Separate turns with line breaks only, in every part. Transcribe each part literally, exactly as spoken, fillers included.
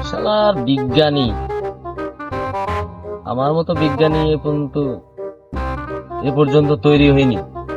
শালার বিজ্ঞানী, আমার মতো বিজ্ঞানী এ পর্যন্ত এ পর্যন্ত তৈরি হয়নি।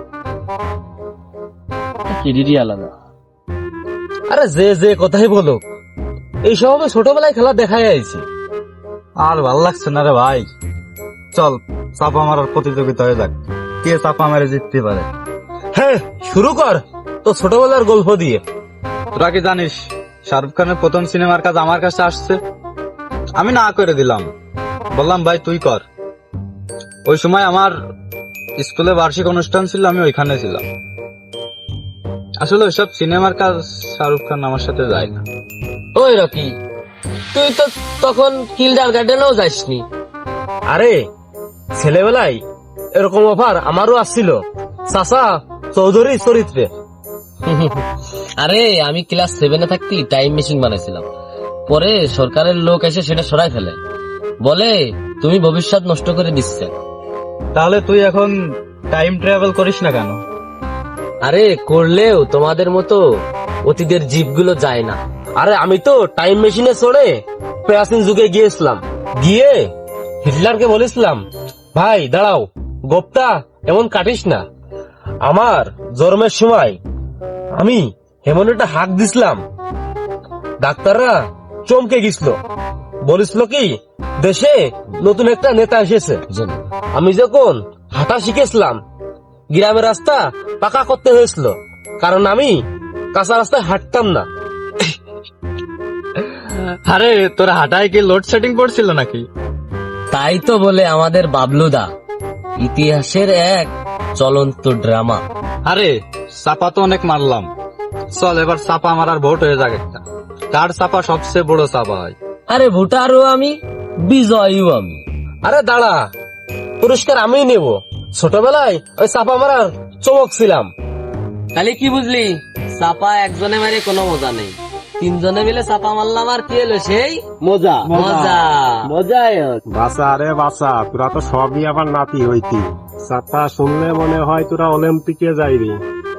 কেডিডি আলাদা। আরে যে যে কথাই বলো, এই সব আমি ছোটবেলায় খেলা দেখাই আইছি।
আর ভাল লাগছে না রে ভাই, চল চাপা মারার প্রতিযোগিতা হয়ে যাক, কে চাপা মেরে জিততে পারে।
হ্যাঁ শুরু কর তো ছোটবেলার গল্প দিয়ে।
তোরা কি জানিস শাহরুখ খানের প্রথম সিনেমার কাজ আমার কাছে আসছে? আমি না করে দিলাম, বললাম ভাই তুই কর। ওই সময় আমার স্কুলে বার্ষিক অনুষ্ঠান ছিল, আমি ওইখানে ছিলাম। আসলে ওইসব সিনেমার কাজ শাহরুখ খান আমার সাথে যায় না।
ওই রকি, তুই তো তখন কিল্ডার গার্ডেনেও যাসনি। আরে ছেলেবেলায় এরকম অফার আমারও আসছিল, চাচা চৌধুরী চরিত্রে। আরে আমি ক্লাস সেভেনে থাকতে টাইম মেশিন বানাইছিলাম, পরে সরকারের লোক এসে সেটা সরাই ফেলে, বলে তুমি ভবিষ্যৎ নষ্ট করে দিচ্ছে।
তাহলে তুই এখন টাইম ট্রাভেল করিস না কেন?
আরে করলেও তোমাদের মতো অতীতের জীবগুলো যায় না। আরে আমি তো টাইম মেশিনে চড়ে প্রাচীন যুগে গিয়েছিলাম, গিয়ে হিটলারকে বলেছিলাম, ভাই দাঁড়াও, গোপটা এমন কাটিস না। আমার জন্মের সময় আমি এমন একটা হাঁক দিছিলাম, ডাক্তাররা চমকে গেছিল, বলেছিল কি দেশে নতুন একটা নেতা এসেছে। আমি যখন হাঁটা শিখেছিলাম, গ্রামের রাস্তা পাকা করতে হয়েছিল, কারণ আমি কাঁচা রাস্তায় হাঁটতাম না।
আরে তোর হাঁটায় কি লোডশেডিং পড়ছিল নাকি?
তাই তো বলে আমাদের বাবলুদা ইতিহাসের এক চলন্ত ড্রামা।
আরে চাপা তো অনেক মারলাম, চল এবার চাপা মারার ভোট হয়ে যাক একটা, কার চাপা সবচেয়ে বড় চাপা হয়।
আরে ভোটারও আমি, বিজয়ীও আমি। আরে দাঁড়া, পুরস্কার আমি নেব। ছোটবেলায় ওই চাপা মারার চমক ছিলাম। তাহলে কি বুঝলি, চাপা একজনে মারে কোনো মজা নেই, তিনজনে মিলে চাপা মারলাম আর কি এলো সেই মজা। মজা মজাই
বাসা রে বাসা, তোরা তো সবই আবার নাতি হইতি। চাপা শুনলে মনে হয় তোরা অলিম্পিকে যাইবি।